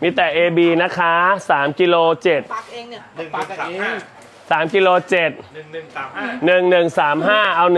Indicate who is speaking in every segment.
Speaker 1: มีแต่ AB นะคะ3กิโล7
Speaker 2: ปักเองเนี่ย
Speaker 3: ปักเอง
Speaker 1: 3กิโล7 1135เอา1050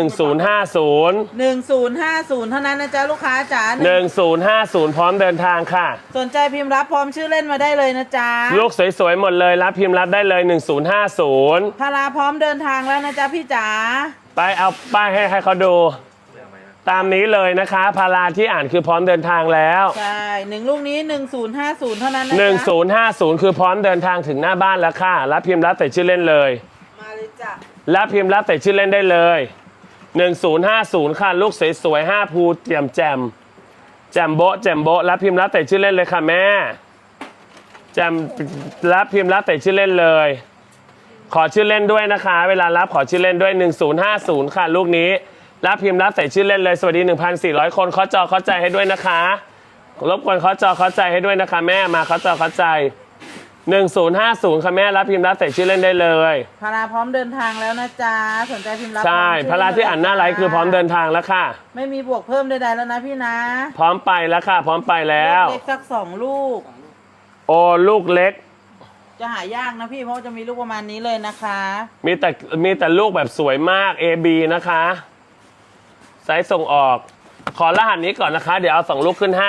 Speaker 2: 1050เท่านั้นนะจ๊ะลูกค้าจ๋า
Speaker 1: 1050พร้อมเดินทางค่ะ
Speaker 2: สนใจพิมพ์รับพร้อมชื่อเล่นมาได้เลยนะจ๊ะ
Speaker 1: ลูกสวยๆหมดเลยรับพิมพ์รับได้เลย1050
Speaker 2: พาราพร้อมเดินทางแล้วนะจ๊ะพี่จ๋า
Speaker 1: ไปเอาป้ายให้เขาดูตามนี้เลยนะคะพาราที่อ่านคือพร้อมเดินทางแล้ว
Speaker 2: ใช่1ลูกนี้1050เท่านั้นนะ
Speaker 1: จ๊ะ1050คือพร้อมเดินทางถึงหน้าบ้านแล้วค่ะรับพิมพ์รับแต่ชื่อเล่นเลย
Speaker 2: มาเลยจ้ะ
Speaker 1: รับพิมพ์รับแต่ชื่อเล่นได้เลย1050ค่ะลูกสวยๆ5ภูแจ่มแจ่มโบะรับพิมพ์รับแต่ชื่อเล่นเลยค่ะแม่แจ่มรับพิมพ์รับแต่ชื่อเล่นเลยขอชื่อเล่นด้วยนะคะเวลารับขอชื่อเล่นด้วย1050ค่ะลูกนี้รับพิมพ์รับใส่ชื่อเล่นเลยสวัสดี 1,400 คนเคาะจอเคาะใจให้ด้วยนะคะรบกวนเคาะจอเคาะใจให้ด้วยนะคะแม่มาเคาะจอเคาะใจ1050ค่ะแม่รับพิมพ์รับใส่ชื่อเล่นได้เลย
Speaker 2: พาราพร้อมเดินทางแล้วนะจ๊ะสนใจพิมพ์รับ
Speaker 1: ใช่พาราที่อ่านหน้าไลฟ์คือพร้อมเดินทางแล้วค่ะ
Speaker 2: ไม่มีบวกเพิ่มใดๆแล้วนะพี่นะ
Speaker 1: พร้อมไปแล้วค่ะพร้อมไปแล้ว
Speaker 2: เล็กสัก2ลูก
Speaker 1: โอ้ลูกเล็ก
Speaker 2: จะหายากนะพี่เพราะจะมีลูกประมาณนี้เลยนะคะ
Speaker 1: มีแต่ลูกแบบสวยมาก AB นะคะไซส์ส่งออกขอรหัสนี้ก่อนนะคะเดี๋ยวเอา2ลูกขึ้นให้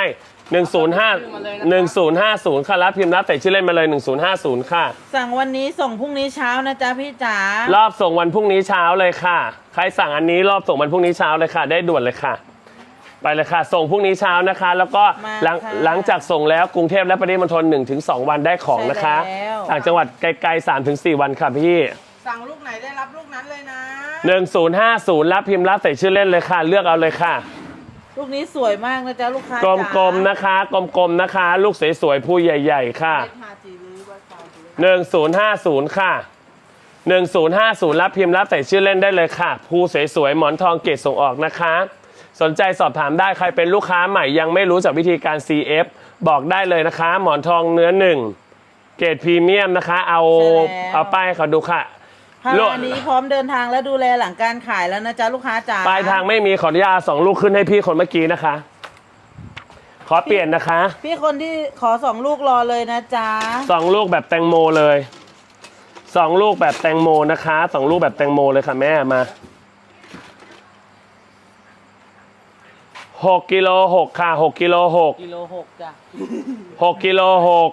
Speaker 1: 1050ค่ะรับพิมพ์รับใส่ชื่อเล่นมาเลย1050ค่ะ
Speaker 2: สั่งวันนี้ส่งพรุ่งนี้เช้านะจ๊ะพี่จ๋าร
Speaker 1: อบส่งวันพรุ่งนี้เช้าเลยค่ะใครสั่งอันนี้รอบส่งวันพรุ่งนี้เช้าเลยค่ะได้ด่วนเลยค่ะไปเลยค่ะส่งพรุ่งนี้เช้านะคะแล้วก็หลังจากส่งแล้วกรุงเทพและปริมณฑล 1-2 วันได้ของนะคะต่างจังหวัดไกลๆ 3-4 วันค่ะพี่
Speaker 2: สั่งลูกไหนได้รับลูกนั้นเลยนะ
Speaker 1: 1050รับพิมพ์รับใส่ชื่อเล่นเลยค่ะเลือกเอาเลยค่ะ
Speaker 2: ลูกนี้สวยมากนะจ๊ะลูกค้
Speaker 1: ากลมๆนะคะกลมๆนะคะลูกสวยๆผู้ใหญ่ๆค่ะ1050ค่ะ1050รับพิมพ์รับใส่ชื่อเล่นได้เลยค่ะผู้สวยๆหมอนทองเกรดส่งออกนะคะสนใจสอบถามได้ใครเป็นลูกค้าใหม่ยังไม่รู้จักวิธีการ CF บอกได้เลยนะคะหมอนทองเนื้อ1เกรดพรีเมียมนะคะเอาป้ายเขาดูค่ะ
Speaker 2: พารานี้พร้อมเดินทางและดูแลหลังการขายแล้วนะจ๊ะลูกค้าจ๋า
Speaker 1: ปลายทางไม่มีขออนุญาต2ลูกขึ้นให้พี่คนเมื่อกี้นะคะขอเปลี่ยนนะคะ
Speaker 2: พี่คนที่ขอ2ลูกรอเลยนะจ๊ะ
Speaker 1: 2ลูกแบบแตงโมเลย2ลูกแบบแตงโมนะคะ2ลูกแบบแตงโมเลยค่ะแม่มา6กิโล6ค่ะ6กิโล6
Speaker 2: กิโล6จ้ะ
Speaker 1: 6กิโล6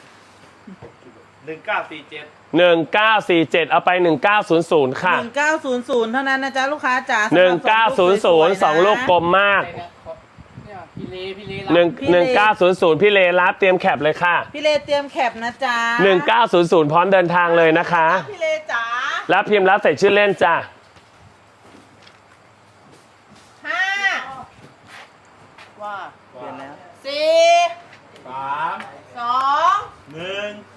Speaker 1: 1947เอาไป1900ค่ะ
Speaker 2: 1900เท่านั้นนะจ๊ะลูกค้าจ๋า
Speaker 1: 1900 2ลูกกลมมาก1900พี่เลรับเตรียมแคปเลยค่ะ
Speaker 2: พี่เลเตรียมแคปนะจ๊ะ
Speaker 1: 1900พร้อมเดินทางเลยนะคะ
Speaker 2: พี่เลจ๋า
Speaker 1: รับพิมพ์รับใส่ชื่อเล่นจ้ะ
Speaker 2: ว่าเปลี่ยนแล้ว
Speaker 3: 4 3 2 1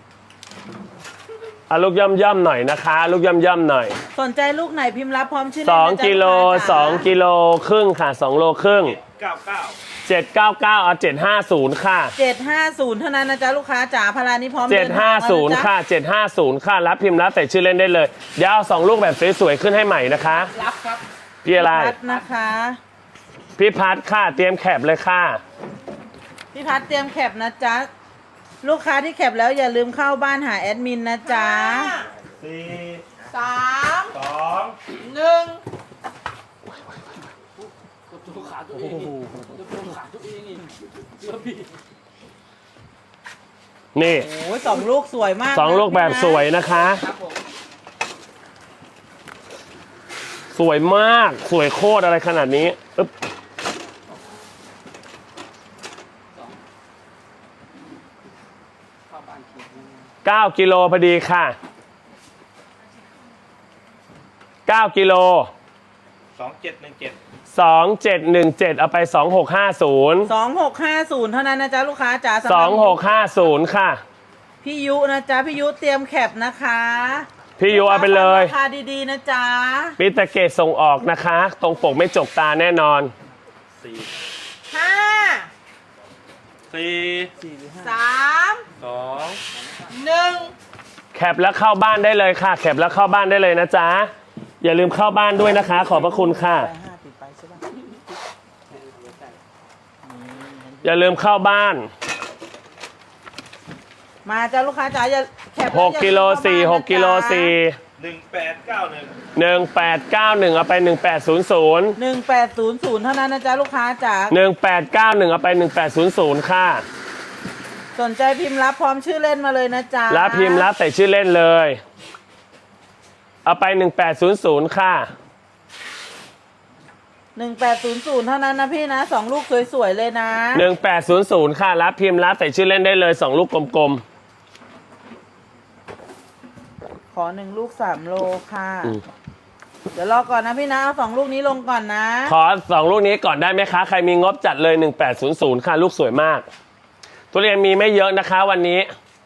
Speaker 1: ลูกย่ำหน่อยนะคะลูกย่ำหน่อย
Speaker 2: สนใจลูกไหนพิมพ์รับพร้อมชื่อ
Speaker 1: 2กิโล2กิโลครึ่งค่ะ2โลครึ่ง799เอา750ค่ะ
Speaker 2: 750เท่านั้นนะจ๊ะลูกค้าจ๋าพารานี้พร้อม
Speaker 1: 750ค่ะ750ค่ะรับพิมพ์รับใส่ชื่อเล่นได้เลยเดี๋ยวเอา2ลูกแบบสวยๆขึ้นให้ใหม่นะคะ
Speaker 2: รับครับ
Speaker 1: พี่อะไร
Speaker 2: พัดนะคะ
Speaker 1: พี่พัดค่ะเตรียมแคปเลยค่ะ
Speaker 2: พี่พัดเตรียมแคปนะจ๊ะลูกค้าที่แคปแล้วอย่าลืมเข้าบ้านหาแอดมินนะจ๊ะ
Speaker 3: 4 3 2 1
Speaker 2: ขาตัวเองขาตัวเอง
Speaker 1: นี่
Speaker 2: โอ้ย2ลูกสวยมาก
Speaker 1: 2ลูกแบบสวยนะคะสวยมากสวยโคตรอะไรขนาดนี้9กิโลพอดีค่ะ9กิโล2717เอาไป
Speaker 2: 2650เท่านั้นนะจ๊ะลูกค้าจ๋า
Speaker 1: 2650ค่ะ
Speaker 2: พี่ยุนะจ๊ะพี่ยุเตรียมแคปนะคะ
Speaker 1: พี่ยุเอาไปเลย
Speaker 2: ราคาดีๆนะจ๊ะ
Speaker 1: มีตะเกตส่งออกนะคะตรงปกไม่จกตาแน่นอน
Speaker 2: 4
Speaker 1: แคปแล้วเข้าบ้านได้เลยค่ะแคปแล้วเข้าบ้านได้เลยนะจ๊ะอย่าลืมเข้าบ้านด้วยนะคะขอบพระคุณค่ะอย่าลืมเข้าบ้าน
Speaker 2: มาจ้าลูกค้าจ๋าอย่าแคป
Speaker 1: 6กิโล4 6กิโล4
Speaker 3: 1891
Speaker 1: 1891เอาไป1800
Speaker 2: 1800เท่านั้นนะจ๊ะลูกค้าจ๋า
Speaker 1: 1891เอาไป1800ค่ะ
Speaker 2: สนใจพิมพ์รับพร้อมชื่อเล่นมาเลยนะจ๊ะ
Speaker 1: รับพิมพ์รับใส่ชื่อเล่นเลยเอาไป1800ค่ะ
Speaker 2: 1800เท่านั้นนะพี่นะ2ลูกสวยๆเลยนะ
Speaker 1: 1800ค่ะรับพิมพ์รับใส่ชื่อเล่นได้เลย2ลูกกลม
Speaker 2: ขอ1ลูก3โลค่ะ
Speaker 1: อืม
Speaker 2: เดี๋ยวรอก่อนนะพี่นะเอา2ลูกนี้ลงก่อนนะ
Speaker 1: ขอ2ลูกนี้ก่อนได้ไหมคะใครมีงบจัดเลย1800ค่ะลูกสวยมากทุเรียนมีไม่เยอะนะคะวันนี้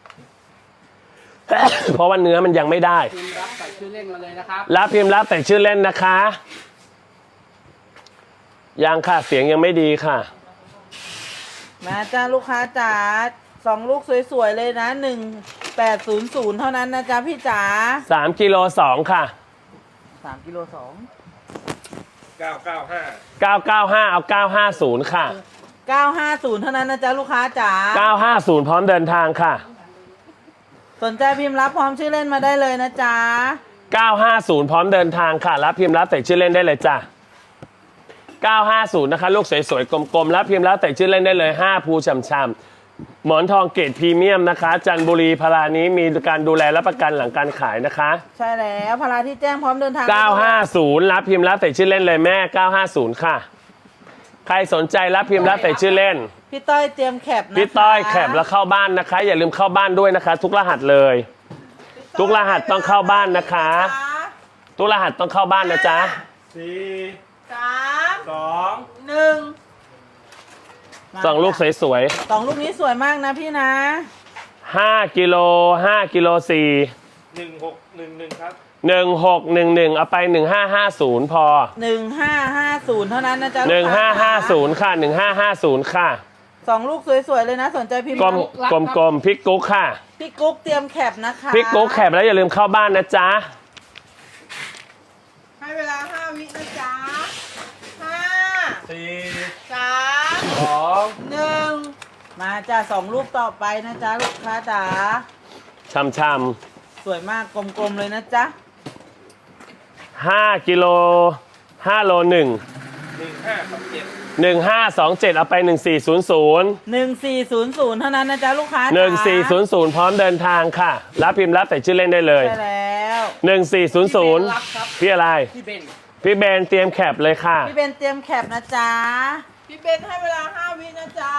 Speaker 1: เพราะว่าเนื้อมันยังไม่ได้
Speaker 4: พิมพ์รับใส่ชื่อเล่นมาเลยนะครับ
Speaker 1: รับพิมพ์รับใส่ชื่อเล่นนะคะยังค่ะเสียงยังไม่ดีค่ะ
Speaker 2: มาจ้าลูกค้าจ๋า2ลูกสวยๆเลยนะ1800เท่านั้นนะจ๊ะพี่จ๋า
Speaker 1: 3กิโล2ค่ะ
Speaker 2: 3กิโล2
Speaker 3: 995
Speaker 1: 995เอา950ค่ะ
Speaker 2: 950เท่านั้นนะจ๊ะลูกค้าจ๋า
Speaker 1: 950พร้อมเดินทางค่ะ
Speaker 2: สนใจพิมพ์รับพร้อมชื่อเล่นมาได้เลยนะจ๊ะ
Speaker 1: 950พร้อมเดินทางค่ะรับพิมพ์รับใส่ชื่อเล่นได้เลยจ้ะ950นะคะลูกสวยๆกลมๆรับพิมพ์รับใส่ชื่อเล่นได้เลย5ภูช่ำๆหมอนทองเกรดพรีเมียมนะคะจันทบุรีพารานี้มีการดูแลรับประกันหลังการขายนะคะ
Speaker 2: ใช่แล้วพาราที่แจ้งพร้อมเดินทาง
Speaker 1: 950รับพิมพ์รับใส่ชื่อเล่นเลยแม่950ค่ะใครสนใจรับพิมพ์รับใส่ชื่อเล่น
Speaker 2: พี่ต้อยเตรียมแคปนะคะ
Speaker 1: พี่ต้อยแคปแล้วเข้าบ้านนะคะ อย่าลืมเข้าบ้านด้วยนะคะ ทุกรหัสเลย ทุกรหัสต้องเข้าบ้านนะคะ ทุกรหัสต้องเข้าบ้านนะจ๊ะ
Speaker 3: 4
Speaker 2: 3
Speaker 3: 2
Speaker 2: 1
Speaker 1: สองลูกสวย
Speaker 2: 2ลูกนี้สวยมากนะพี่นะ
Speaker 1: ๆ5กิโล5กิโล4
Speaker 3: 1611 ครับ
Speaker 1: 1611เอาไป1550พอ
Speaker 2: 1550เท่านั้นนะจ๊ะลูกค้า
Speaker 1: 1550ค่ะ1550ค่ะ
Speaker 2: 2ลูกสวยๆเลยนะสนใจพิมพ์
Speaker 1: กลมกลมๆพริกกุ๊กค่ะ
Speaker 2: พี่กุ๊กเตรียมแคปนะคะ
Speaker 1: พริกกุ๊กแคปแล้วอย่าลืมเข้าบ้านนะจ๊ะ
Speaker 2: ให้เวลา5วินะจ๊ะ5
Speaker 3: 4
Speaker 2: 3
Speaker 3: 2
Speaker 2: 1มาจ้ะ2ลูกต่อไปนะจ๊ะลูกค้าจ๋า
Speaker 1: ช่ำ
Speaker 2: สวยมากกลมๆเลยนะจ๊ะ
Speaker 1: ๆ5กิโล5โล1
Speaker 3: 1527
Speaker 1: 1527เอาไป1400
Speaker 2: 1400เท่านั้นนะจ๊ะลูกค้าจ๋า
Speaker 1: 1400พร้อมเดินทางค่ะรับพิมพ์รับใส่ชื่อเล่นได้เลย
Speaker 2: ใช่แล้ว
Speaker 1: 1400พี่อะไร
Speaker 4: พี่เบน
Speaker 1: พี่เบนเตรียมแคปเลยค่ะ
Speaker 2: พี่เบนเตรียมแคปนะจ๊ะพี่เบนให้เวลา5วินะจ๊ะ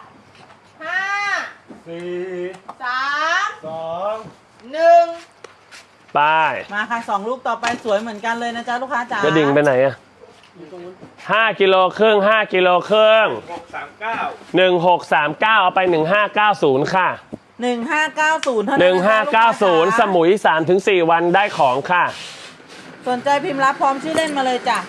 Speaker 2: 5
Speaker 3: 4
Speaker 2: 3
Speaker 3: 2
Speaker 2: 1
Speaker 1: ไป้าย
Speaker 2: มาค่ะ2ลูกต่อไปสวยเหมือนกันเลยนะจ๊ะลูกค้าจ๋า
Speaker 1: จะดิ่งไปไหนอะ
Speaker 4: อยู่ตรงนู้น
Speaker 1: 5กิโลครึ่ง5กิโลครึ่ง
Speaker 3: 639
Speaker 1: 1639เอาไป1590ค่ะ
Speaker 2: 1590เท่านั้นนะจ๊ะลูกค้าจ๋า
Speaker 1: 1590สมุย 3-4 วันได้ของค่ะ
Speaker 2: สนใจพิมพ์รับพร้อมชื่อเล่นมาเลยจ้ะ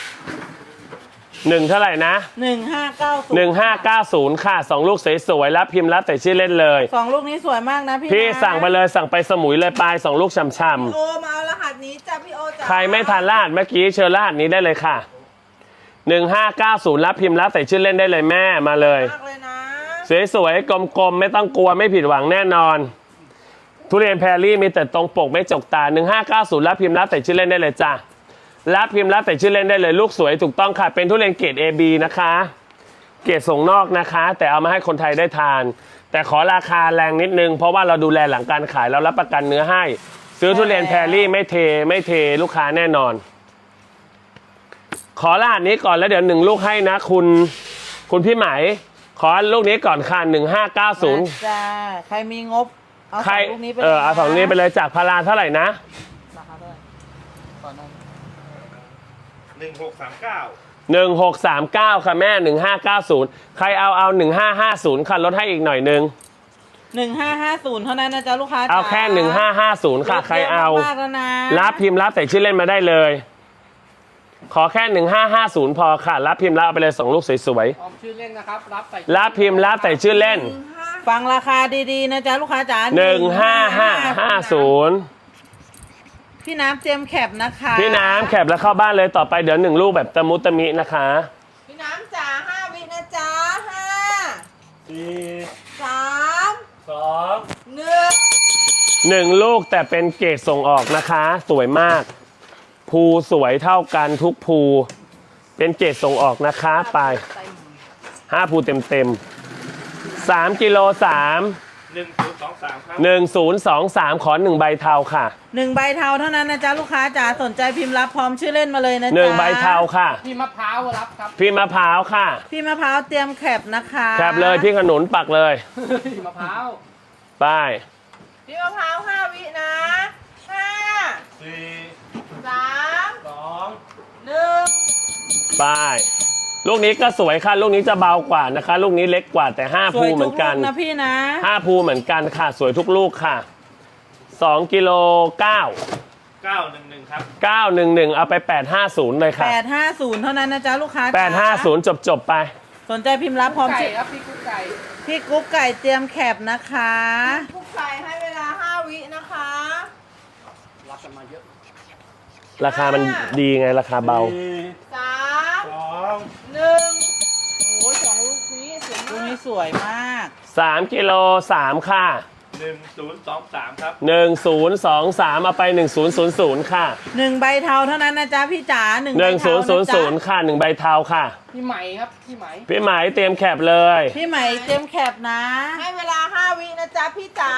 Speaker 1: 1เท่าไหร่นะ
Speaker 2: 1590
Speaker 1: 1590ค่ะ2ลูกสวยๆรับพิมพ์รับใส่ชื่อเล่นเลย
Speaker 2: 2ลูกนี้สวยมากนะพี่
Speaker 1: พี่
Speaker 2: นะ
Speaker 1: สั่งไปเลยสั่งไปสมุยเลยปลาย2ลูกช่ำ
Speaker 2: โอมาเอารหัสนี้จ้ะพี่โอจ้ะ
Speaker 1: ๆใครไม่ทันรหัสเมื่อกี้เชิญรหัสนี้ได้เลยค่ะ1590รับพิมพ์รับใส่ชื่อเล่นได้เลยแม่มาเลย
Speaker 2: มากเลยนะ
Speaker 1: สวยๆกลมๆไม่ต้องกลัวไม่ผิดหวังแน่นอน ทุเรียนแพรรี่มีแต่ตรงปกไม่จกตา1590รับพิมพ์รับใส่ชื่อเล่นได้เลยจ้ะรับพิมพ์รับใส่ชื่อเล่นได้เลยลูกสวยถูกต้องค่ะเป็นทุเรียนเกรด AB นะคะเกรดส่งนอกนะคะ แต่เอามาให้คนไทยได้ทาน แต่ขอราคาแรงนิดนึงเพราะว่าเราดูแลหลังการขายเรารับประกันเนื้อให้ ซื้อทุเรียนแพรรี่ไม่เทลูกค้าแน่นอน ขอรหัสนี้ก่อนแล้วเดี๋ยว1ลูกให้นะคุณพี่ไหมขอลูกนี้ก่อนค่ะ1590
Speaker 2: มาจ้าใครมีงบเอา
Speaker 1: ใคร
Speaker 2: 2ลูกนี้ไปเลยนะ
Speaker 1: เอา2ลูกนี้ไปเลยจากพาราเท่าไหร่นะ
Speaker 2: ราคาเท่าไหร่ก่อนนม
Speaker 3: 1639
Speaker 1: 1639ค่ะแม่1590ใครเอา1550ค่ะลดให้อีกหน่อยนึง
Speaker 2: 1550เท่านั้นนะจ๊ะลูกค้าจ๋า
Speaker 1: เอาแค่1550ค่ะใครเอา
Speaker 2: ลดยะมากแล้วนะ
Speaker 1: รับพิมพ์รับใส่ชื่อเล่นมาได้เลย ขอแค่1550พอค่ะรับพิมพ์รับเอาไปเลย2ลูกสวย
Speaker 4: พร้อมชื่อเล่นนะครับรับใส่
Speaker 1: ๆรับพิมพ์รับใส่ชื่อเล่น
Speaker 2: ฟังราคาดีๆนะจ๊ะลูกค้าจ๋า
Speaker 1: 15550
Speaker 2: พี่น้ำเตรียมแคปนะคะ
Speaker 1: พี่น้ำแคปแล้วเข้าบ้านเลยต่อไปเดี๋ยว1ลูกแบบตะมุตะมินะคะ
Speaker 2: พี่น้ำจ๋า5วินะจ๊ะ5
Speaker 3: 4
Speaker 2: 3
Speaker 3: 2
Speaker 1: 1 ลูกแต่เป็นเกรดส่งออกนะคะ สวยมาก ภูสวยเท่ากันทุกภู เป็นเกรดส่งออกนะคะไป5 ภูเต็ม3กิโล3
Speaker 3: 1023ครับ
Speaker 1: 1023 ขอ 1 ใบเทาค่ะ
Speaker 2: 1 ใบเทาเท่านั้นนะจ๊ะลูกค้าจ๋าสนใจพิมพ์รับพร้อมชื่อเล่นมาเลยนะจ๊ะ
Speaker 1: 1 ใบเทาค่ะ
Speaker 4: พี่มะพร้าวรับครับ
Speaker 1: พี่มะพร้าวค่ะ
Speaker 2: พี่มะพร้าวเตรียมแคปนะคะ
Speaker 1: แคบเลยพี่ขนุนปักเลย
Speaker 4: พี่มะพร้าว
Speaker 1: ไป
Speaker 2: พี่มะพร้าว5 วินะ5
Speaker 3: 4
Speaker 2: 3
Speaker 3: 2
Speaker 2: 1
Speaker 1: ไป ลูกนี้ก็สวยค่ะ ลูกนี้จะเบากว่านะคะ ลูกนี้เล็กกว่าแต่ 5
Speaker 2: ส
Speaker 1: ภู
Speaker 2: วย
Speaker 1: เหมื
Speaker 2: ทุ
Speaker 1: อก นกั
Speaker 2: ลู
Speaker 1: น
Speaker 2: กนะพี่นะ
Speaker 1: 5 ภูเหมือนกันค่ะ สวยทุกลูกค่ะ2กิโล9
Speaker 3: 911ครับ
Speaker 1: 911 เอาไป 850 เลยค่ะ
Speaker 2: 850 เท่านั้นนะจ๊ะลูกค้าจ๋า
Speaker 1: 850 จบไป
Speaker 2: สนใจพิมพ์รับพร้อม
Speaker 4: ไก่
Speaker 2: ชื่อ
Speaker 4: ครับพี่กุ๊กไก่
Speaker 2: พี่กุ๊กไก่เตรียมแคปนะคะ
Speaker 5: ทุกไก่ให้เวลา 5 วินะคะ
Speaker 4: รับกันมาเยอะ
Speaker 1: ราคามันดีไงราคาเบา
Speaker 5: 3
Speaker 3: 2
Speaker 5: 1 โอ้ย2 ลูกนี้สวย
Speaker 2: ลูก
Speaker 5: มาก
Speaker 2: นี้สวยมาก
Speaker 1: 3กิโล3ค่ะ
Speaker 3: 1023ครับ
Speaker 1: 1023 เอาไป 1000 ค่ะ
Speaker 2: 1 ใบเทาเท่านั้นนะจ๊ะพี่จ๋า1 ใบเทานะจ๊ะ
Speaker 1: 1000 ค่ะ 1 ใบเทาค่ะ
Speaker 4: พี่ไหมครับพี่ไหม
Speaker 1: พี่หมายเตรียมแคปเลย
Speaker 2: พี่ไหมเตรียมแคปนะ
Speaker 5: ให้เวลา 5 วินะจ๊ะพี่จ๋า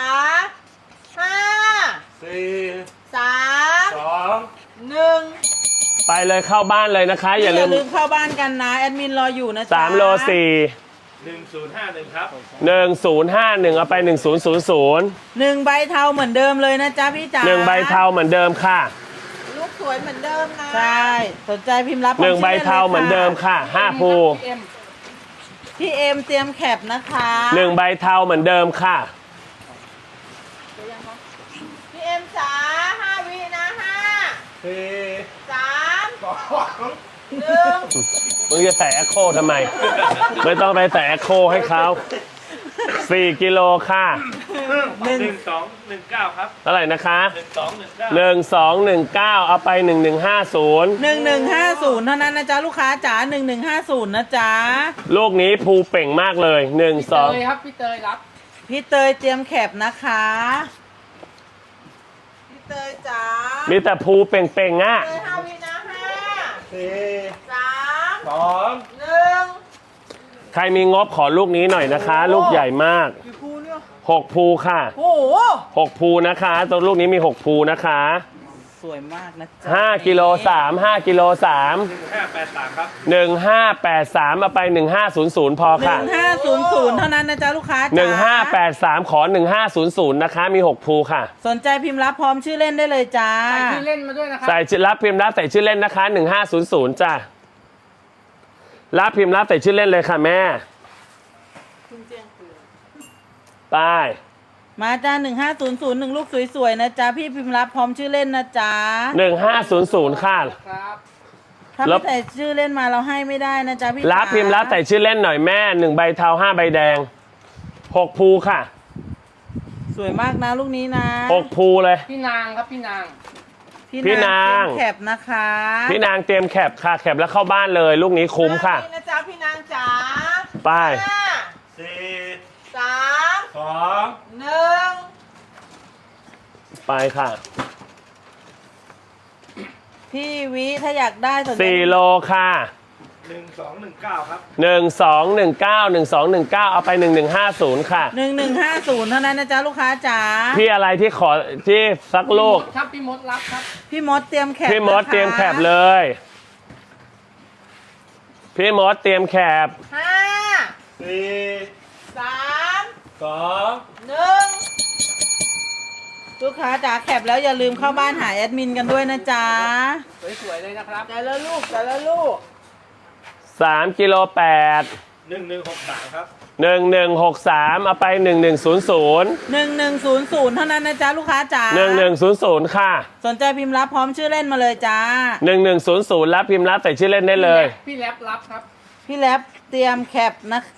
Speaker 5: 5
Speaker 3: 4
Speaker 5: 3
Speaker 3: 2
Speaker 5: 1
Speaker 1: ไปเลยเข้าบ้านเลยนะคะ อย่าลืม
Speaker 2: เข้าบ้านกันนะแอดมินรออยู่นะจ๊ะ
Speaker 1: 3โล4
Speaker 3: 1051ครับ
Speaker 1: 1051 เอาไป 1000
Speaker 2: 1 ใบเทาเหมือนเดิมเลยนะจ๊ะพี่จ๋า
Speaker 1: 1 ใบเทาเหมือนเดิมค่ะ
Speaker 5: ลูกสวยเหมือนเดิมนะ
Speaker 2: ใช่สนใจพิมพ์รับ
Speaker 1: 1 ใบเทาเหมือนเดิมค่ะ 5 ภู
Speaker 4: พี่เอ็ม
Speaker 2: พี่เอ็มเตรียมแคปนะคะ
Speaker 1: 1 ใบเทาเหมือนเดิมค่ะ
Speaker 5: พี่เอ็มจ๋า5 วินะ5
Speaker 3: 4
Speaker 5: 3
Speaker 3: 2
Speaker 5: 1
Speaker 1: มึงจะใส่แอคโคทำไม ไม่ต้องไปใส่แอคโคให้เขา4กิโลค่ะ
Speaker 3: 1219ครับ
Speaker 1: เท่าไหร่นะคะ
Speaker 3: 1219
Speaker 1: 1219 เอาไป 1150
Speaker 2: 1150 เท่านั้นนะจ๊ะลูกค้าจ๋า1150 นะจ๊ะ
Speaker 1: ลูกนี้ภูเป่งมากเลย
Speaker 4: พี่เตยครับพี่เตยรับ
Speaker 2: พี่เตยเตรียมแคปนะคะ
Speaker 5: พี่เตยจ๋า
Speaker 1: 1 มีแต่ภูเป่งๆอ่ะ
Speaker 5: เตย5 วินะ5
Speaker 3: 4
Speaker 5: 3
Speaker 3: 2
Speaker 5: 1
Speaker 1: ใครมีงบขอลูกนี้หน่อยนะคะ ลูกใหญ่มาก
Speaker 5: กี่ภูเนี่ย
Speaker 1: 6 ภูค่ะ
Speaker 5: โอ้โห
Speaker 1: 6 ภูนะคะตัวลูกนี้มี 6 ภูนะคะ
Speaker 2: สวยมากนะจ๊ะ
Speaker 1: 5กิโล3 5กิโล3
Speaker 3: 1583ครับ
Speaker 1: 1583 เอาไป 1500 พอค่ะ
Speaker 2: 1500 เท่านั้นนะจ๊ะลูกค้าจ๋า
Speaker 1: 1583 ขอ 1500 นะคะ มี 6 ภูค่ะ
Speaker 2: สนใจพิมพ์รับพร้อมชื่อเล่นได้เลยจ้า
Speaker 4: ใส่ชื่อเล่นมาด้วยนะครับ
Speaker 1: ใส่รับพิมพ์รับใส่ชื่อเล่นนะคะ 1500 จ้ะรับพิมพ์รับใส่ชื่อเล่นเลยค่ะแม่ ไป
Speaker 2: มาจ้า1500 1 ลูกสวยๆนะจ๊ะพี่พิมพ์รับพร้อมชื่อเล่นนะจ๊ะ
Speaker 1: 1500 ค่ะ
Speaker 4: ครับ
Speaker 2: ถ้า
Speaker 1: รั
Speaker 2: ไม่
Speaker 1: บ
Speaker 2: ใส่ชื่อเล่นมาเราให้ไม่ได้นะจ๊ะพี่
Speaker 1: รับ
Speaker 2: จ๋า
Speaker 1: พิมพ์รับใส่ชื่อเล่นหน่อยแม่ 1 ใบเทา 5 ใบแดง 6 ภูค่ะ
Speaker 2: สวยมากนะลูกนี้นะ
Speaker 1: 6 ภูเลย
Speaker 4: พี่นางครับพี่นาง
Speaker 1: พี่นาง
Speaker 2: เตรียมแคปนะคะ
Speaker 1: พี่นางเตรียมแคปค่ะ แคปแล้วเข้าบ้านเลย ลูกนี้คุ้มค่ะ
Speaker 5: 5 วินะจ๊ะพี่นางจ๋า
Speaker 1: ไป
Speaker 5: 5
Speaker 3: 4
Speaker 5: 3
Speaker 3: 2
Speaker 5: 1
Speaker 1: ไปค่ะ
Speaker 2: พี่วิถ้าอยากได้สนใจ
Speaker 1: 4 โลค่ะ
Speaker 3: 1219ครับ
Speaker 1: 1219 เอาไป 1150 ค่ะ
Speaker 2: 1150 เท่านั้นนะจ๊ะลูกค้าจ๋า
Speaker 1: พี่อะไรที่ขอที่สักลูก
Speaker 4: ครับพี่มดรับครับ
Speaker 2: พี่มดเตรียมแคป
Speaker 1: พี่มด
Speaker 2: นะคะ
Speaker 1: เตรียมแคปเลย พี่มดเตรียมแคป
Speaker 5: 5
Speaker 3: 4
Speaker 5: 3
Speaker 3: 2
Speaker 5: 1
Speaker 2: ลูกค้าจ๋าแคปแล้วอย่าลืมเข้าบ้านหาแอดมินกันด้วยนะจ๊ะ
Speaker 4: สวยๆเลยนะครับ
Speaker 5: แต่ละลูกแต่ละลูก
Speaker 1: 3กิโล8
Speaker 3: 1163ครับ
Speaker 1: 1163 เอาไป 1100
Speaker 2: 1100 เท่านั้นนะจ๊ะลูกค้าจ๋า
Speaker 1: 1100 ค่ะ
Speaker 2: สนใจพิมพ์รับพร้อมชื่อเล่นมาเลยจ้า
Speaker 1: 1100 รับพิมพ์รับใส่ชื่อเล่นได้เลย
Speaker 4: พี่แรปรับครับ
Speaker 2: พี่แรปเตรียมแคปนะ